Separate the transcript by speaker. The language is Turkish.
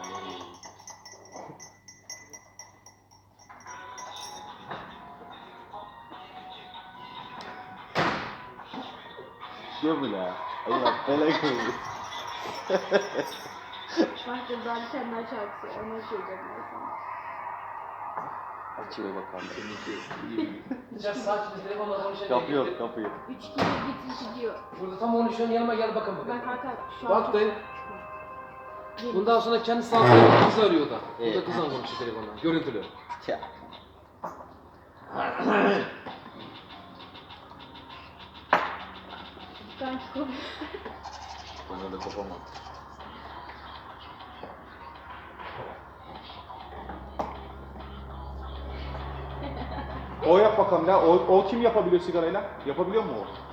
Speaker 1: Diyor mu la? Allah belanı koyayım.
Speaker 2: Bak buradan bir tane daha şarkısı. Onu söyleyeceğim ben sana.
Speaker 1: Açıyor bakalım.
Speaker 3: Biraz sakin telefonla konuşalım.
Speaker 1: Kapıyor kapıyı.
Speaker 2: 3 kere gitmiş gidiyor.
Speaker 3: Burada tam konuşuyorsun, yanıma gel bakın bakalım.
Speaker 2: Ben Hakan şu an...
Speaker 3: Bak dayı.
Speaker 2: Gelin.
Speaker 3: Bundan sonra kendi sağlıklı kız arıyor da.
Speaker 1: Evet.
Speaker 3: Burada kızla konuşuyor telefonla. Görüntülü.
Speaker 1: Ya.
Speaker 2: Ben çok...
Speaker 1: Bana da kopamam. O yap bakalım ya. O kim yapabiliyor sigarayla? Yapabiliyor mu o?